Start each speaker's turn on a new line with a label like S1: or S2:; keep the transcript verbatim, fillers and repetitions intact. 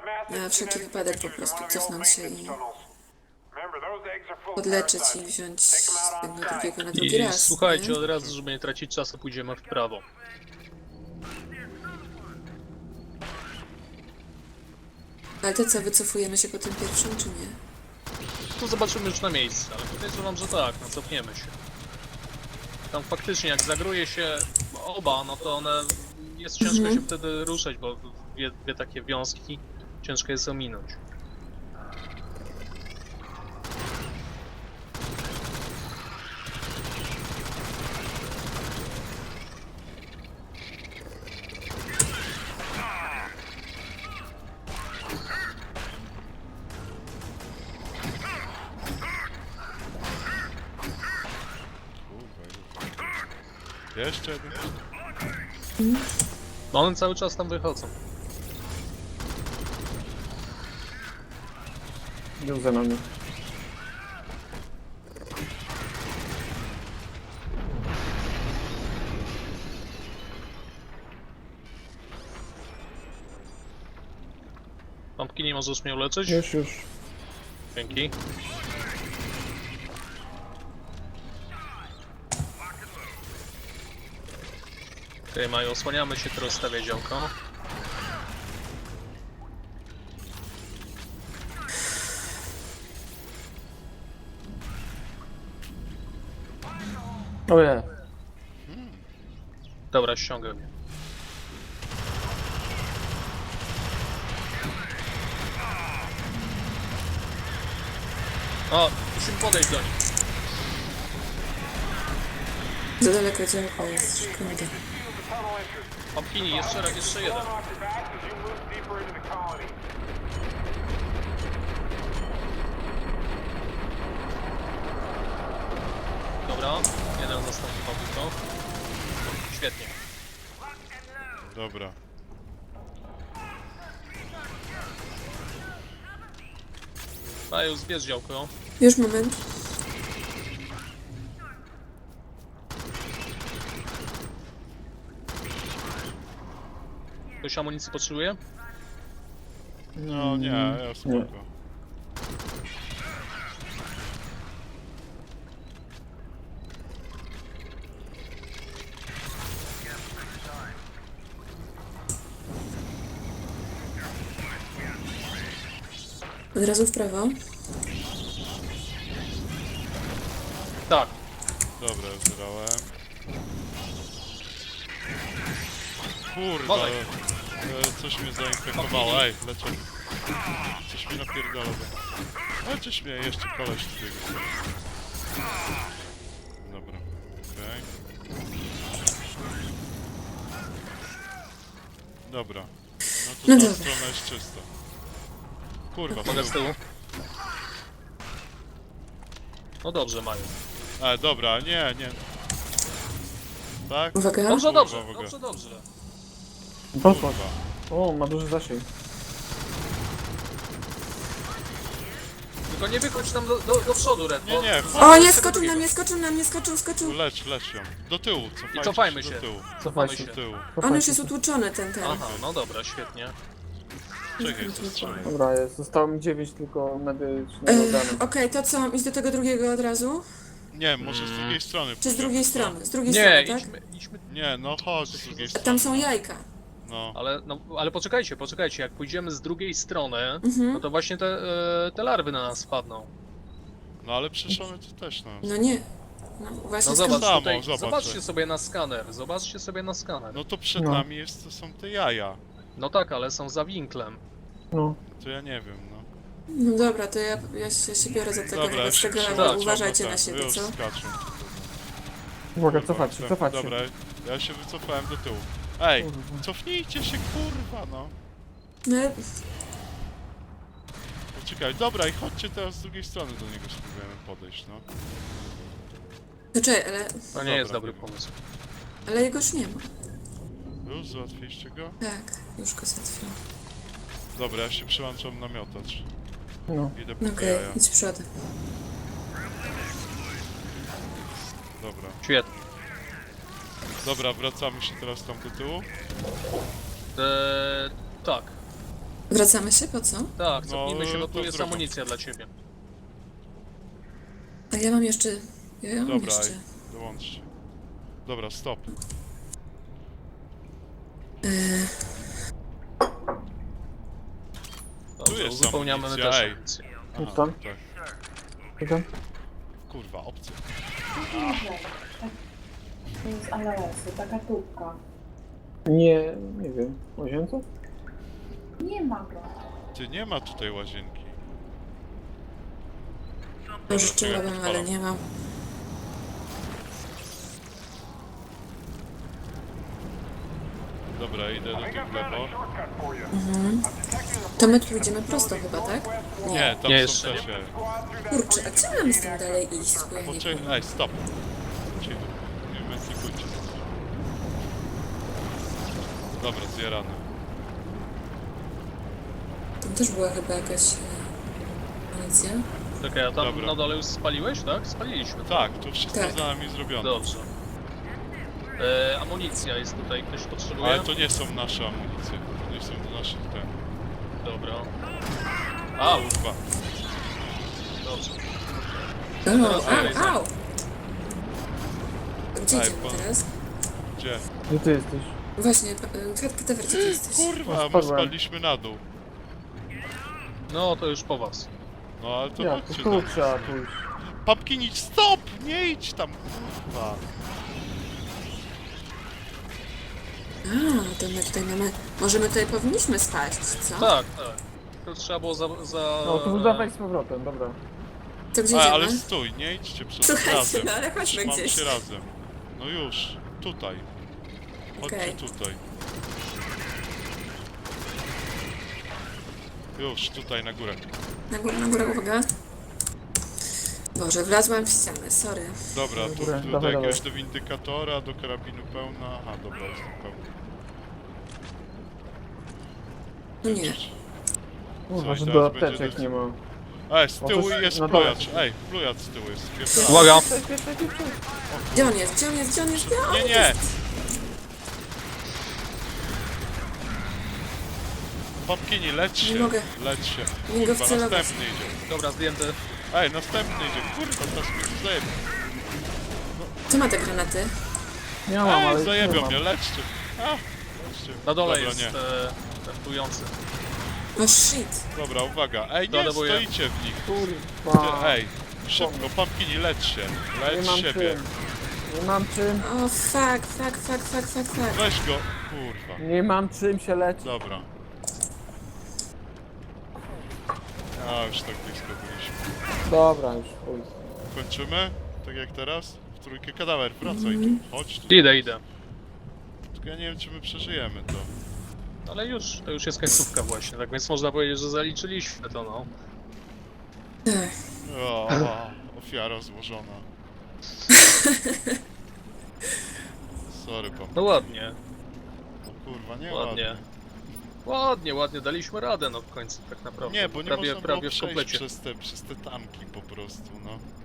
S1: Na wszelki wypadek po prostu cofnąć się i podleczyć i wziąć z tego drugiego na drugi
S2: I
S1: raz.
S2: słuchajcie,
S1: nie?
S2: od razu, żeby nie tracić czasu, pójdziemy w prawo.
S1: Ale to co, wycofujemy się po tym pierwszym, czy nie?
S2: To zobaczymy już na miejscu, ale podejrzewam, że tak, no cofniemy się. Tam faktycznie, jak zagruje się oba, no to one... Jest ciężko
S1: Mhm.
S2: się wtedy ruszać, bo dwie, dwie takie wiązki ciężko jest ominąć.
S3: Jeszcze jeden?
S2: No one cały czas tam wychodzą.
S4: Był za nami.
S2: Pompki, nie możesz mnie uleczyć?
S4: Już, już.
S2: Dzięki. Okej, okay, Maju, osłaniamy się, teraz stawia działko.
S4: Ojej.
S2: Dobra, ściągaj mnie. O, musimy podejść do nich.
S1: Za daleko działko jest, szkoda.
S2: Pumpkini, jeszcze raz, jeszcze jeden. Dobra, jeden następny pobyt. Świetnie.
S3: Dobra.
S2: Maju, zbierz działko.
S1: Już moment.
S2: Ktoś amunicji potrzebuje?
S3: No nie, ja spoko.
S1: Od razu w prawo.
S2: Tak.
S3: Dobra, zbrałem. Kurwa,
S2: Wolej.
S3: e, coś mnie zainfekowało, ej, leczę. Coś mi napierdala. Leczysz mnie, jeszcze koleś z tego strony. Dobra, okej. Dobra. No to
S1: No
S3: ta
S1: dobra.
S3: strona jest czysta. Kurwa,
S2: Mogę z
S3: tył.
S2: tyłu. No dobrze, Maju.
S3: E, dobra, nie, nie. Tak?
S1: Uwaga.
S2: Dobrze,
S3: Kurwa,
S2: dobrze,
S3: uwaga.
S2: dobrze, dobrze.
S4: Poszła.
S3: Kurwa.
S4: O, ma duży zasięg.
S2: Tylko nie wychodź tam do, do, do przodu, Red.
S3: Nie,
S2: bo-
S3: nie,
S1: O nie, skoczył na mnie, skoczył na mnie, skoczył, skoczył.
S3: lecz, lecz ją. Do tyłu, cofajcie
S2: I cofajmy się.
S3: do tyłu.
S4: Cofaj
S2: Mamy
S4: się.
S2: się.
S3: Do tyłu.
S1: On już jest utłuczony, ten, ten.
S2: Aha, no dobra, świetnie.
S3: Czekaj, co strzelaj.
S4: Dobra, jest. Zostało mi dziewięć tylko medycznych
S1: E,
S4: organów.
S1: Okej, to co, mam iść do tego drugiego od razu?
S3: Nie, może z drugiej strony.
S1: Czy z
S3: pójdziemy,
S1: drugiej
S3: co?
S1: strony? Z drugiej
S2: Nie,
S1: strony, tak?
S2: idźmy, idźmy.
S3: Nie, no chodź z drugiej
S1: A
S3: strony.
S1: tam są jajka.
S3: No.
S2: Ale, no, ale poczekajcie, poczekajcie, jak pójdziemy z drugiej strony,
S1: Mhm.
S2: no to właśnie te, e, te larwy na nas spadną.
S3: No ale przecież one to też nas.
S1: No nie. No właśnie
S2: No
S1: skąd-
S2: zobacz
S3: samo,
S2: tutaj,
S3: zobacz.
S2: zobaczcie sobie na skaner, zobaczcie sobie na skaner.
S3: No to przed
S4: No.
S3: nami jest, to są te jaja.
S2: No tak, ale są za winklem.
S4: No.
S3: To ja nie wiem, no.
S1: No dobra, to ja, ja, się, się biorę za tego,
S3: Dobra,
S1: wobec
S3: się
S1: tego, ale
S3: przepraszam,
S1: uważajcie
S3: bo
S1: na
S3: tak,
S1: siebie,
S3: już
S1: co?
S3: skaczę.
S4: Uwaga,
S3: Kurwa,
S4: cofać się,
S3: chcę-
S4: cofać się.
S3: Dobra, ja się wycofałem do tyłu. Ej,
S4: Kurwa.
S3: cofnijcie się, kurwa, no.
S1: No ale
S3: Poczekaj, dobra i chodźcie teraz z drugiej strony do niego spróbujemy podejść, no.
S1: to czekaj, ale,
S2: To nie
S3: Dobra,
S2: jest dobry
S3: nie wiem.
S2: pomysł.
S1: ale jego już nie ma.
S3: Już załatwiliście go?
S1: Tak, już go załatwiłam.
S3: Dobra, ja się przyłączam na miotacz.
S4: No.
S3: Idę po
S1: No
S3: te
S1: okej,
S3: jaja.
S1: idź przodem.
S3: Dobra.
S2: Świetnie.
S3: Dobra, wracamy się teraz tam do tyłu.
S2: Eee, tak.
S1: Wracamy się, po co?
S2: Tak, cofnijmy się, bo
S3: to
S2: tu jest
S3: drogą.
S2: amunicja dla ciebie.
S1: A ja mam jeszcze... Ja mam
S3: Dobra,
S1: jeszcze...
S3: ej, dołączcie. Dobra, stop.
S1: Yy,
S2: Dobrze,
S3: jest
S2: uzupełniamy my
S3: amunicja,
S2: też
S3: ej.
S2: amunicję.
S3: Aha,
S4: tam?
S3: tak.
S4: Co tam?
S3: Kurwa, obcy.
S5: To jest ananas, taka tubka.
S4: Nie, nie wiem. Łazience?
S5: Nie ma go.
S3: Ty, nie ma tutaj łazienki.
S1: może
S3: czekaj,
S1: czułabym, ale
S3: odpalam.
S1: nie mam.
S3: Dobra, idę do tych w lewo.
S1: Mhm. To my tu idziemy prosto chyba, tak?
S3: Nie, tam
S2: Nie,
S3: są
S2: jeszcze
S3: też.
S2: nie.
S3: ej.
S1: Kurczę, a gdzie mamy z tym dalej iść? Bo ja nie
S3: Poczekaj,
S1: wiem.
S3: ej, stop. Cicho. Nie mentykujcie. Dobra, zjarany.
S1: Tam też była chyba jakaś e, amunicja.
S2: Czekaj, a tam
S3: Dobra.
S2: na dole już spaliłeś, tak? Spaliliśmy.
S3: Tak, to wszystko
S1: Tak.
S3: za nami zrobione.
S2: Dobrze. E, amunicja jest tutaj, ktoś potrzebuje?
S3: Ale to nie są nasze amunicje. To nie są naszych ten.
S2: Dobra. A,
S3: Kurwa.
S2: dobrze.
S1: O,
S2: Teraz dalej,
S1: au, au! Gdzie
S3: Ej,
S1: idziemy
S3: pan-
S1: teraz?
S3: Gdzie?
S4: Gdzie ty jesteś?
S1: Właśnie, Katewer, gdzie ty jesteś?
S3: Kurwa, my
S4: spadłem.
S3: spadliśmy na dół.
S2: No, to już po was.
S3: No ale to
S4: Ja, to
S3: chodźcie
S4: tu
S3: tam.
S4: trzeba pójść.
S3: Papkin, idź, stop! Nie idź tam, kurwa.
S1: A, to my tutaj mamy... Może my tutaj powinniśmy spaść, co?
S2: Tak, tak. To trzeba było za... za
S4: No, to dawaj z powrotem, dobra.
S1: To gdzie
S3: A,
S1: idziemy?
S3: ale stój, nie idźcie przez
S1: Słuchajcie,
S3: razem.
S1: no ale chodźmy
S3: Trzymamy
S1: gdzieś.
S3: się razem. No już, tutaj. Chodźcie
S1: Okej.
S3: tutaj. Już, tutaj na górę.
S1: Na górę, na górę, uwaga. Boże, wlazłam w ścianę, sorry.
S3: Dobra,
S4: Na
S3: tu,
S4: górę,
S3: tu do
S4: dawaj,
S3: jakiegoś
S4: dawaj.
S3: do windykatora, do karabinu pełna. Aha, dobra, jestem pełny.
S1: No nie.
S4: Kurwa,
S3: Coś,
S4: że
S3: teraz
S4: do
S3: będzie
S4: apteczek
S3: des-
S4: nie ma.
S3: Ej, z tyłu
S4: Możesz-
S3: jest
S4: na dole.
S3: plujacz. Ej, plujacz z tyłu jest. Spierdalaj.
S2: Uwaga!
S4: Cześć, cześć, cześć, cześć.
S1: Gdzie on jest? Gdzie on jest? Gdzie on jest? Gdzie on
S3: Nie,
S1: jest?
S3: nie! Papkini, leć się,
S1: Nie mogę.
S3: leć się.
S1: Nie mogę
S3: Kurwa,
S1: wcelować.
S3: następny idzie.
S2: Dobra, zdjęty.
S3: Ej, następny idzie. Kurwa, teraz mnie zajebie.
S1: Kto ma te granaty?
S4: Nie mam, ale
S3: Ej,
S4: już nie
S3: zajebią
S4: mam.
S3: mnie, leczcie. A, leczcie.
S2: Na dole
S3: Dobra,
S2: jest
S3: nie.
S2: e, ten plujący.
S1: No shit.
S3: Dobra, uwaga. Ej, nie,
S2: Dolewuję.
S3: stoicie w nich. Ty,
S4: Kurwa.
S3: ej, szybko, Papkini, leć się.
S4: Nie
S3: Leć
S4: mam
S3: siebie.
S4: czym. Nie mam czym.
S1: O, fuck, fuck, fuck, fuck, fuck, fuck.
S3: Weź go. Kurwa.
S4: Nie mam czym się leczyć.
S3: Dobra. A, już tak blisko byliśmy.
S4: Dobra, już chuj.
S3: Kończymy? Tak jak teraz? W trójkę kadawer, wracaj
S1: Mhm.
S3: tu. Chodź tu.
S2: Idę, idę.
S3: Tylko ja nie wiem, czy my przeżyjemy to.
S2: Ale już, to już jest końcówka właśnie, tak więc można powiedzieć, że zaliczyliśmy to, no.
S1: Ech,
S3: O, ofiara złożona. Sorry, pap.
S2: No ładnie,
S3: No kurwa, nie
S2: ładnie.
S3: ładnie.
S2: Ładnie, ładnie, daliśmy radę, no w końcu tak naprawdę.
S3: Nie, bo nie
S2: prawie,
S3: można
S2: prawie
S3: było
S2: w
S3: przejść
S2: komplecie.
S3: przez te, przez te tanki po prostu, no.